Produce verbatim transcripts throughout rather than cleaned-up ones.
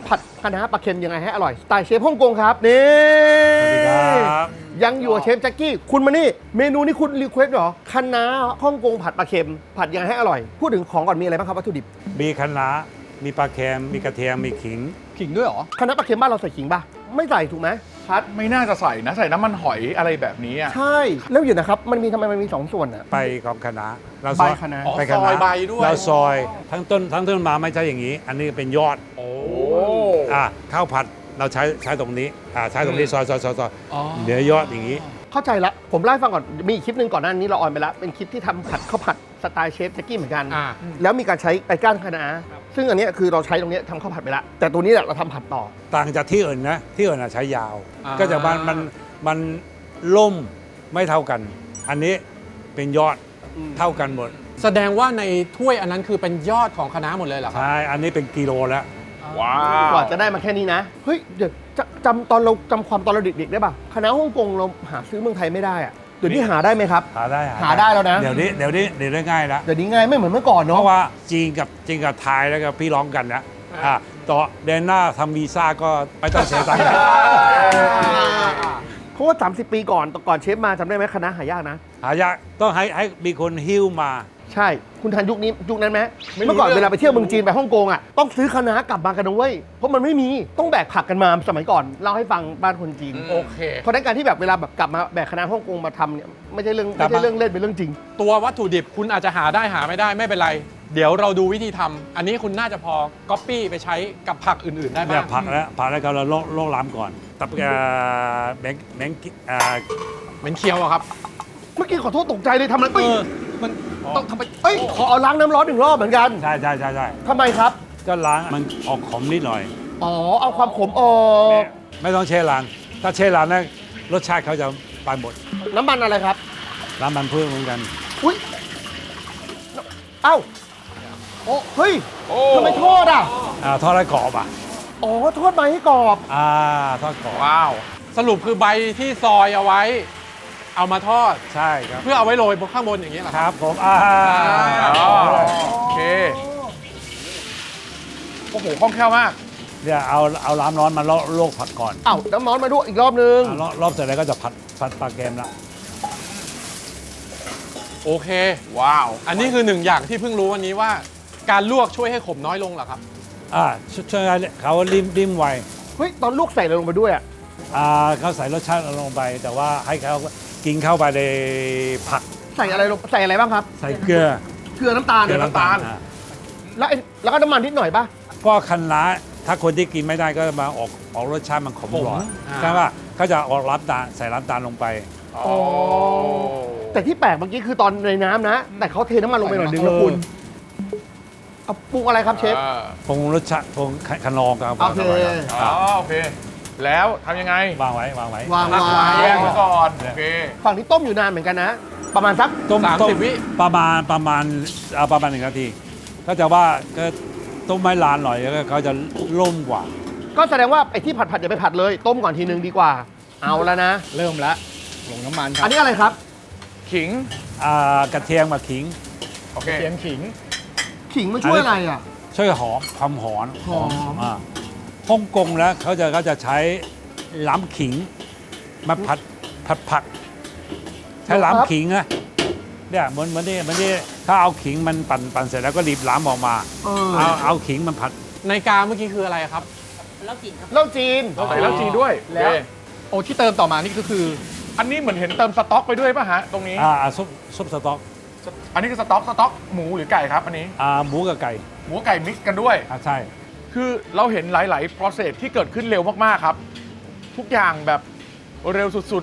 ผัดคะน้าปลาเค็มยังไงให้อร่อยสไตล์เชฟฮ่องกงครับนี่สวัสดีครับยังอยู่กับเชฟแจ็คกี้คุณมานี่เมนูนี้คุณรีเควสเหรอคะน้าฮ่องกงผัดปลาเค็มผัดยังไงให้อร่อยพูดถึงของก่อนมีอะไรบ้างครับวัตถุดิบมีคะน้ามีปลาเค็มมีกระเทียมมีขิงขิงด้วยเหรอคะน้าปลาเค็มบ้านเราใส่ขิงป่ะไม่ใส่ถูกไหมพัดไม่น่าจะใส่นะใส่น้ำมันหอยอะไรแบบนี้อะใช่แล้วอยู่นะครับมันมีทำไมมันมีสองส่วนอ่ะไปของคะน้าเราใบซอยคะน้าอ๋อไปซอยใบด้วยเราซอยทั้งต้นทั้งต้นมาไม่ใช่อย่างนี้ อันนี้เป็นยอดโอ้อ่าข้าวผัดเราใช้ใช้ตรงนี้อ่าใช้ตรงนี้ซอยซอยซอยซอยอ๋อเดี๋ยวยอดอย่างนี้เข้าใจละผมเล่าให้ฟังก่อนมีอีกคลิปหนึ่งก่อนหน้านี้เราออนไปแล้วเป็นคลิปที่ทำผัดข้าวผัดสไตล์เชฟแจ็คกี้เหมือนกันอ่าแล้วมีการใช้ไก่ก้านคะน้าซึ่งอันเนี้ยคือเราใช้ตรงเนี้ยทำข้าวผัดไปแล้วแต่ตัวนี้แหละเราทำผัดต่อต่างจากที่อื่นนะที่อื่นอะใช้ยาวอ่าก็จะมันมันมันล่มไม่เท่ากัน อันนี้เป็นยอดอืมเท่ากันหมดแสดงว่าในถ้วยอันนั้นคือเป็นยอดของคะน้าหมดเลยเหรอครับใช่อันนี้เป็นกิโลแล้วว้ากว่าจะได้มาแค่นี้นะ เฮ้ย เดี๋ยวจะจำตอนเราจำความตอนเราเด็กๆได้ป่ะคณะฮ่องกงเราหาซื้อเมืองไทยไม่ได้อะเดี๋ยวนี้หาได้ไหมครับหาได้หาได้แล้วนะเดี๋ยวนี้เดี๋ยวนี้เดี๋ยวนี้ง่ายแล้วเดี๋ยวนี้ง่ายไม่เหมือนเมื่อก่อนเพเนาะราะว่าจีนกับจีนกับไทยแล้วก็พี่ร้องกันนะอ่าต่อเดือนหน้าทำวีซ่าก็ไม่ต้องเสียตังค์เพราะว่า สามสิบ ปีก่อนก่อนเชฟมาจำได้ไหมคณะหายากนะหายากต้องให้ให้มีคนหิ้วมาใช่ คุณทันยุคนี้ยุคนั้นไหมเมื่อก่อนเวลาไปเที่ยวเมืองจีนไปฮ่องกงอ่ะต้องซื้อคณะกลับมากันนะเว้ยเพราะมันไม่มีต้องแบกผักกันมาสมัยก่อนเล่าให้ฟังบ้านคนจีนโอเคเพราะฉะนั้นการที่แบบเวลาแบบกลับมาแบกคณะฮ่องกงมาทำเนี่ยไม่ใช่เรื่องไม่ใช่เรื่องเล่นเป็นเรื่องจริงตัววัตถุดิบคุณอาจจะหาได้หาไม่ได้ไม่เป็นไร เดี๋ยวเราดูวิธีทำอันนี้คุณน่าจะพอก๊อปปี้ไปใช้กับผักอื่น ๆ ได้เนี่ยบ้างผักแล้วผักแล้วก็เราโลกโลกล้ำก่อนตับเอ่อแบงค์แบงค์เอ่อเหม็นเคี้ยวอะครับเมื่อกี้ขอโทษตกใจเลยทำอะไรเอเอ้ยอมันต้องทำไปเอ้ยขอเอาล้างน้ำร้อนหนึ่งรอบเหมือนกันใช่ใช่ใช่ใช่ทำไมครับก็ล้างมันออกขมนิดหน่อยอ๋อ เอาความขมออกไม่ต้องเช่ล้างถ้าเช่ล้างนะรสชาติเขาจะไปหมดน้ำมันอะไรครับล้างมันพืชเหมือนกันอุ้ย เอ้า โอ้ เฮ้ยโอ้ทำไมทอดอ่ะอ่าทอดแล้วกรอบอ่ะอ๋อ ทอดมาให้กรอบอ่าทอดกรอบว้าวสรุปคือใบที่ซอยเอาไว้ เอามาทอดใช่ครับเพื่อเอาไว้โรยบนข้างบนอย่างนี้ยเหรอคครับรับผมอ่าอ๋อโอเค โอ้โหคล่องแคล่วมากเนี่ยเอาเอาล้ำร้อนมาลวกลวกผักก่อนเอ้าน้ำร้อนมาด้วยอีกรอบนึงอ่ารอบรอบเสร็จแล้วก็จะผัดผัดปลาเกมละโอเคว้าวอันนี้คือหนึ่งอย่างที่เพิ่งรู้วันนี้ว่า การลวกช่วยให้ขมน้อยลงเหรอครับอ่าช่วยช่วยให้เขาริมริมไวเฮ้ย ตอนลูกใส่อะไรลงไปด้วยอ่ะอ่าเขาใส่รสชาติลงไป แต่ว่าให้เขากินเข้าไปในผักใส่อะไรลง ใส่อะไรบ้างครับใส่เกลือเกลือน้ำตาลเกลือน้ำตาลอ่าแล้วไอ้แล้วก็น้ำมันนิดหน่อยป่ะก็คันล้าถ้าคนที่กินไม่ได้ก็มาออกออกรสชาติมันขมหน่อยอ่าใช่ป่ะเขาจะออกรับตาลใส่น้ำตาลลงไปอ๋อแต่ที่แปลกเมื่อกี้คือตอนในน้ำนะ แต่เขาเทน้ำมันลงไปหน่อยนึงนะคุณ เอาปรุงอะไรครับเชฟอ่าปรุงรสชาติปรุงขนองครับโอเคอ๋อโอเค แล้วทำยังไงวางไว้วางไว้วางตั้งวางแยกไว้ก่อน โอเคฝั่งนี้ต้มอยู่นานเหมือนกันนะ ประมาณสักต้มสามต้มสิบวิประมาณประมาณเอาประมาณหนึ่งนาที ก็จะว่าก็ต้มไม่ลานหน่อยแล้วก็เขาจะล่มกว่าก็แสดงว่าไอ้ที่ผัดผัดอย่าไปผัดเลย ต้มก่อนทีนึงดีกว่า เอาแล้วนะเริ่มแล้วลงน้ำมันครัอันนี้อะไรครับขิงอ่ากระเทียมกับขิงโอเคเทียมขิงขิงมันช่วยอะไรอ่ะช่วยหอมความหอมหอมอ่าฮ่องกงแล้วเขาจะเขาจะใช้ล้ำขิงมาผัดผัดผัก ใช้ล้ำขิงนะเนี่ยเหมือนเหมือนนี่เหมือนนี่ถ้าเอาขิงมันปั่นปั่นเสร็จแล้วก็รีบล้ำออกมาเออเอาเอาขิงมันผัดในกาเมื่อกี้คืออะไรครับเหล้าจีนใส่แล้วจีนด้วยแล้วโอเคโอ้ที่เติมต่อมานี่ก็คืออันนี้เหมือนเห็นเติมสต๊อกไปด้วยป่ะฮะ ตรงนี้อ่าอ่าซุปซุปสต๊อกอันนี้คือสต๊อก สต๊อกหมูหรือไก่ครับ อันนี้อ่าหมูกับไก่หมูไก่มิกซ์กันด้วยอ่าใช่คือเราเห็นหลาย ๆ process ที่เกิดขึ้นเร็วมาก ๆ ครับ ทุกอย่างแบบเร็วสุด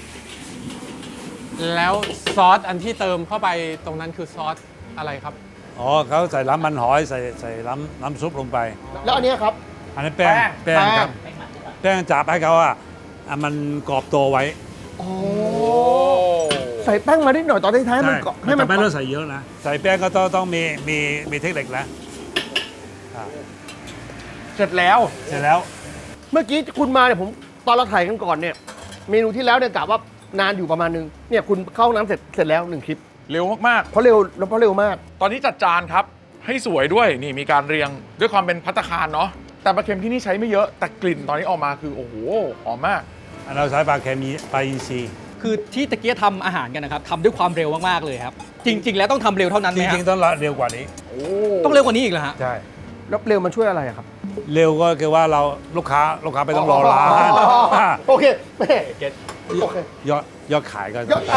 แล้วซอสอันที่เติมเข้าไปตรงนั้นคือซอสอะไรครับอ๋อเขาใส่น้ำมันหอยใส่ใส่น้ำน้ำซุปลงไปแล้วอันเนี้ยครับอันนี้นแป้งแป้งครับแป้งจับให้เขาอ่ะอ่ะมันกรอบตัวไว้โอ้ๆ โอ้ใส่แป้งมานิดหน่อยตอนท้ายๆให้มันเกาะให้มันแต่ไม่ต้องใส่เยอะนะใส่แป้งก็ต้องต้องมีมีมีเทคนิคแล้วอ่าเสร็จแล้วเสร็จแล้วเมื่อกี้คุณมาเนี่ยผมตอนเราถ่ายกันก่อนเนี่ย เมนูที่แล้วเนี่ยกะว่านานอยู่ประมาณนึง เนี่ยคุณเข้าห้องน้ำเสร็จเสร็จแล้วหนึ่งคลิปเร็วมากเพราะเร็วแล้วเพราะเร็วมากๆ ตอนนี้จัดจานครับ ให้สวยด้วย นี่มีการเรียงด้วยความเป็นภัตตาคารเนาะแต่ปลาเค็มที่นี่ใช้ไม่เยอะแต่กลิ่นตอนนี้ออกมาคือโอ้โหหอมมากเราใช้ปลาเค็มมีปลาอินทรีย์คือที่ตะเกียทำอาหารกันนะครับทำด้วยความเร็วมากๆเลยครับ จริง ๆ แล้วต้องทำเร็วเท่านั้นจไหมฮะริงๆต้องเร็วกว่านี้โอ้ต้องเร็วกว่านี้อีกเหรอฮะใช่แล้วเร็วมันช่วยอะไรอะครับเร็วก็คือว่าเราลูกค้าลูกค้าไม่ต้องรอร้านโอเคแม่โอเคยอดยอดขายก็ยอด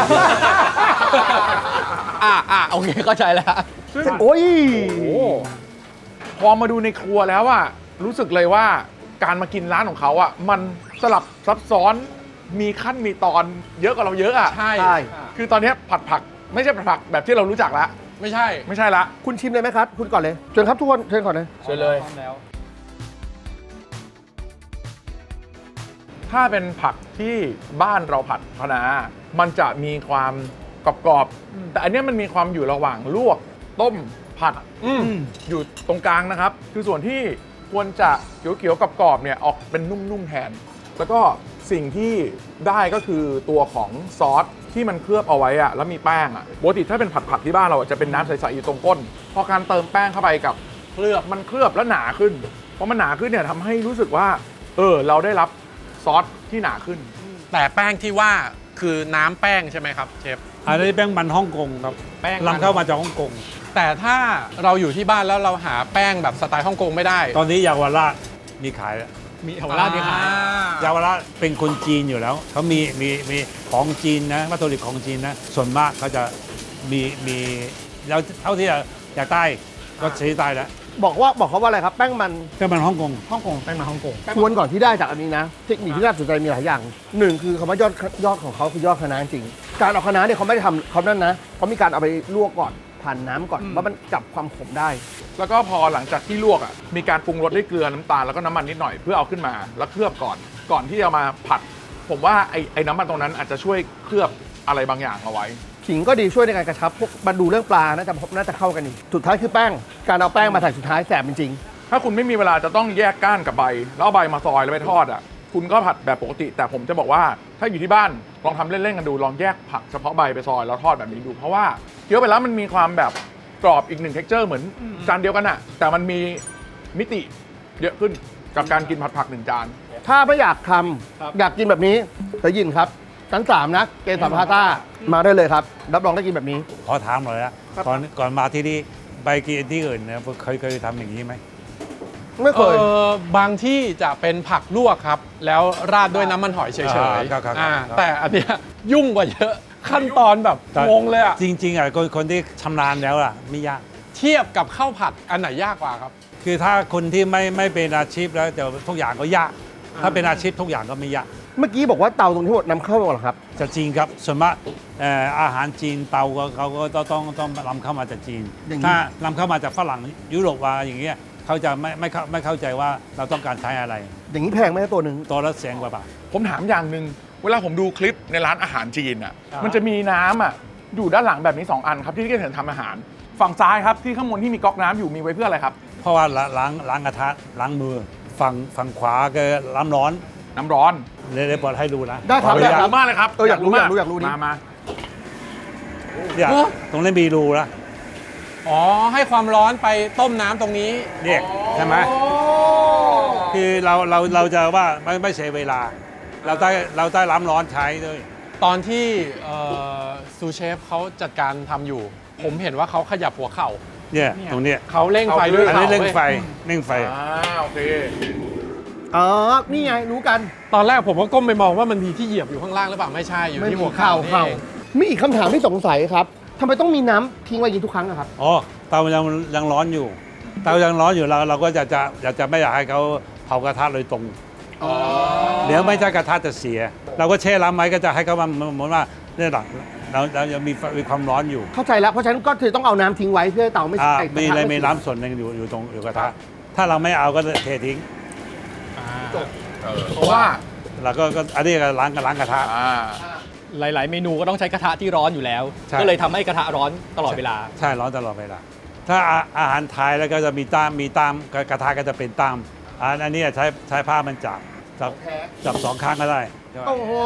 อ่าอ่าโอเคเข้าใจแล้วซึ่งโอ้ยโอ้โหพอมาดูในครัวแล้วอะรู้สึกเลยว่าการมากินร้านของเขาอะมันสลับซับซ้อนมีขั้นมีตอนเยอะกว่าเราเยอะอะใช่ใช่คือตอนนี้ผัดผักไม่ใช่ผัดผักแบบที่เรารู้จักละไม่ใช่ไม่ใช่ละคุณชิมเลยไหมครับ คุณก่อนเลยเชิญครับทุกคนเชิญก่อนเลยเชิญเลยแล้วถ้าเป็นผักที่บ้านเราผัดคะน้ามันจะมีความกรอบๆแต่อันเนี้ยมันมีความอยู่ระหว่างลวกต้มผัดอืมอยู่ตรงกลางนะครับ คือส่วนที่ควรจะเขียวๆกรอบๆเนี่ยออกเป็นนุ่มๆแทน แล้วก็สิ่งที่ได้ก็คือตัวของซอสที่มันเคลือบเอาไว้อะแล้วมีแป้งอะปกติถ้าเป็นผัดผักที่บ้านเราอะจะเป็นน้ำใสๆอยู่ตรงก้น พอการเติมแป้งเข้าไปกับเคลือบมันเคลือบแล้วหนาขึ้นเพราะมันหนาขึ้นเนี่ยทำให้รู้สึกว่าเออเราได้รับซอสที่หนาขึ้นแต่แป้งที่ว่าคือน้ำแป้งใช่ไหมครับเชฟอันนี้แป้งมันฮ่องกงครับแป้งมันนำเข้ามาจากฮ่องกงแต่ถ้าเราอยู่ที่บ้านแล้วเราหาแป้งแบบสไตล์ฮ่องกงไม่ได้ตอนนี้เยาวราชมีขายแล้วมีเอวราดมีขายเยาวราชเป็นคนจีนอยู่แล้วเขามีมีมีของจีนนะวัตถุดิบของจีนนะส่วนมากเขาจะมีมีเราเท่าที่อยากใต้ก็ใช้ใต้แล้วบอกว่าบอกเขาว่าอะไรครับ แป้งมันแป้งมันฮ่องกงฮ่องกงแป้งมาฮ่องกงทวนก่อนที่ได้จากอันนี้นะ เทคนิคที่น่าสนใจมีหลายอย่างหนึ่งคือคำว่ายอดยอดของเขาคือยอดคะน้าจริง การเอาคะน้าเนี่ยเขาไม่ได้ทำเขานั่นนะเขามีการเอาไปลวกก่อนผ่านน้ำก่อนว่ามันจับความขมได้แล้วก็พอหลังจากที่ลวกอ่ะมีการปรุงรสด้วยเกลือน้ำตาลแล้วก็น้ำมันนิดหน่อยเพื่อเอาขึ้นมาแล้วเคลือบก่อน ก่อนที่จะมาผัด ผมว่าไอ้ไอ้น้ำมันตรงนั้นอาจจะช่วยเคลือบอะไรบางอย่างเอาไว้ขิงก็ดีช่วยในการกระชับพวกมาดูเรื่องปลาน่าจะน่าจะเข้ากันอีกสุดท้ายคือแป้ง การเอาแป้งมาใส่สุดท้ายแสบจริงถ้าคุณไม่มีเวลาจะต้องแยกก้านกับใบแล้วเอาใบมาซอยแล้วไปทอดอ่ะคุณก็ผัดแบบปกติ แต่ผมจะบอกว่าถ้าอยู่ที่บ้านลองทำเล่นๆกันดูลองแยกผักเฉพาะใบไปซอยแล้วทอดแบบนี้ดูเพราะว่าเคี้ยวไปแล้วมันมีความแบบกรอบอีกหนึ่ง texture เหมือนจานเดียวกันอ่ะแต่มันมีมิติเยอะขึ้นกับการกินผัดผักหนึ่งจานๆ ถ้าไม่อยากทครับำอยากกินแบบนี้เธอยินครับชั้นสามนะเกษรพาต้ามาได้เลยครับรับรองได้กินแบบนี้ขอถามหน่อยนะก่อนก่อนมาที่นี่ไปกินที่อื่นเนี่ยเคยเคยทำอย่างนี้ไหมไม่เอเคยอบางที่จะเป็นผักลวกครับ แล้วราดด้วยน้ำมันหอยเฉยอ่าครับครับๆอ่าครับแต่อันเนี้ยยุ่งกว่าเยอะขั้นตอนแบบแต่งงเลยอะจริงๆอ่ะคนคนที่ชำนาญแล้วล่ะไม่ยากเทียบกับข้าวผัดอันไหนยากกว่าครับคือถ้าคนที่ไม่ไม่เป็นอาชีพแล้วเดี๋ยวทุกอย่างก็ยาก ถ้าเป็นอาชีพทุกอย่างก็ไม่ยากเมื่อกี้บอกว่าเตาตรงที่หมดนำเข้าเหรอครับจะจีนครับส่วนมากเอ่ออาหารจีนเตาก็เขาก็ต้องต้องต้องนำเข้ามาจากจีนอย่างนี้ถ้านำเข้ามาจากฝรั่งยุโรปว่าอย่างเงี้ยเขาจะไม่ไม่เข้าไม่เข้าใจว่าเราต้องการใช้อะไรอย่างนี้แพงไหมตัวหนึ่งตัวละแสนกว่าบาทผมถามอย่างหนึ่งเวลาผมดูคลิปในร้านอาหารจีนอ่ะครับมันจะมีน้ำอ่ะอยู่ด้านหลังแบบนี้สองอันครับที่ที่เห็นทำอาหาร ฝั่งซ้ายครับที่ข้างบนที่มีก๊อกน้ำอยู่มีไว้เพื่ออะไรครับเพราะว่าล้างล้างล้างกระทะล้างมือฝั่งฝั่งขวาก็น้ำร้อนน้ำร้อนเลยเลยเปิดให้ดูนะได้ครับขอออนุยากญาตรู้มากเลยครับเอออยากรู้อยากรู้อยากรู้ดิมามาเนี่ยตรงนี้มีรูนะอ๋อ ให้ความร้อนไปต้มน้ำตรงนี้เนี่ยใช่ไหมคือเราเราเราจะว่าไม่ไม่เสียเวลา เราได้เราได้น้ำร้อนใช้ด้วยตอนที่เอ่อซูเชฟเขาจัดการทำอยู่ ผมเห็นว่าเขาขยับหัวเข่าเนี่ยตรงเนี้ยเขาเร่งไฟด้วยอันเข่านี้เร่งไฟว้ยเร่งไฟอ่าโอเคอ๋อ นี่ไงรู้กันตอนแรกผมก็ก้มไปมองว่ามันมีที่เหยียบอยู่ข้างล่างหรือเปล่าไม่ใช่อยู่ที่หัวเข่านี่เข่าเองมีอีกคำถามที่สงสัยครับทำไมต้องมีน้ำทิ้งไว้อยิงทุกครั้งอะครับอ๋อเตายังยังร้อนอยู่ เตายังร้อนอยู่เราเราก็จะจะอยากจะไม่อยากให้เขาเผากระทะโดยตรงเดี๋ยวไม่ใช่กระทะจะเสีย เราก็แช่น้ำไว้ก็จะให้เขามันเหมือนว่าเนี่ยหลังเราเรายังมีมีความร้อนอยู่เข้าใจแล้ว เพราะฉะนั้นก็คือต้องเอาน้ำทิ้งไว้เพื่อให้เตาไม่อ่าไอ้กระทะมีอะไรไมีน้ำส่วนหนึ่งอยู่อยู่ตรงอยู่กระทะถ้าเราไม่เอาก็เททิ้งเพราะว่าเราก็ก็อันนี้ก็ล้างล้างกระทะอ่าหลาย ๆ เมนูก็ต้องใช้กระทะที่ร้อนอยู่แล้วใช่ก็เลยทำให้กระทะร้อนตลอดเวลาใช่ร้อนตลอดเวลาถ้าอาอาหารไทยแล้วก็จะมีตามมีตามกระกระทะก็จะเป็นตามอันอันนี้ใช้ใช้ผ้ามันจับจับจับสองข้างก็ได้โอ้โห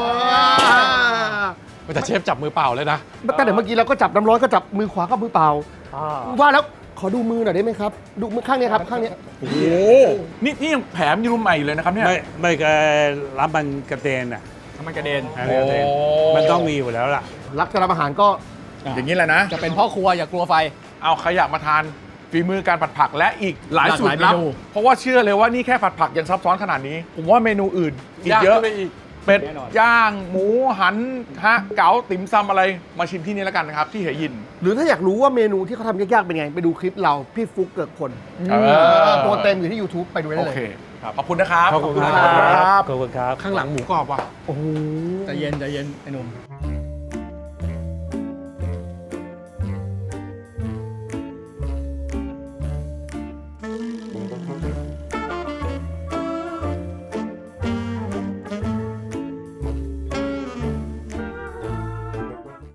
แต่เชฟจับมือเปล่าเลยนะแต่เดี๋ยวเมื่อกี้เราก็จับน้ำร้อนก็จับมือขวาก็มือเปล่า ว่าแล้วขอดูมือหน่อยได้ไหมครับ ดูมือข้างเนี้ยครับ ข้างเนี้ยโอ้โหนี่นี่ยังแผลมยูรุมใหม่อยู่เลยนะครับเนี่ยไม่ไม่ก็รับมันกระเด็นอ่ะทำมันกระเด็นอะไรกระเด็นโอ้มันต้องมีอยู่แล้วล่ะรักจะรับอาหารก็อย่างนี้แหละนะจะเป็นพ่อครัวอย่ากลัวไฟเอาใครอยากมาทานฝีมือการผัดผักและอีกหลายหลากสูตหลายรลับเมนูเพราะว่าเชื่อเลยว่านี่แค่ผัดผักยังซับซ้อนขนาดนี้ ผมว่าเมนูอื่นอีกยากเยอะขึ้นไปอีกเป็ดแน่นอนย่าง หมูหันฮะเก๋าติ๋มซำอะไรมาชิมที่นี่แล้วกันนะครับ ที่เหยินหรือถ้าอยากรู้ว่าเมนูที่เขาทำยากๆเป็นไง ไปดูคลิปเรา พี่ฟุกเกิดคนเออตัวเต็มอยู่ที่ YouTube ไปดูได้โอเลยเคขอบคุณนะครับขอบคุณคครัรับบขอบคุณครับข้างหลังหมูกรอบว่ะโอ้โหใจเย็นใจเย็นไอ้หนุ่ม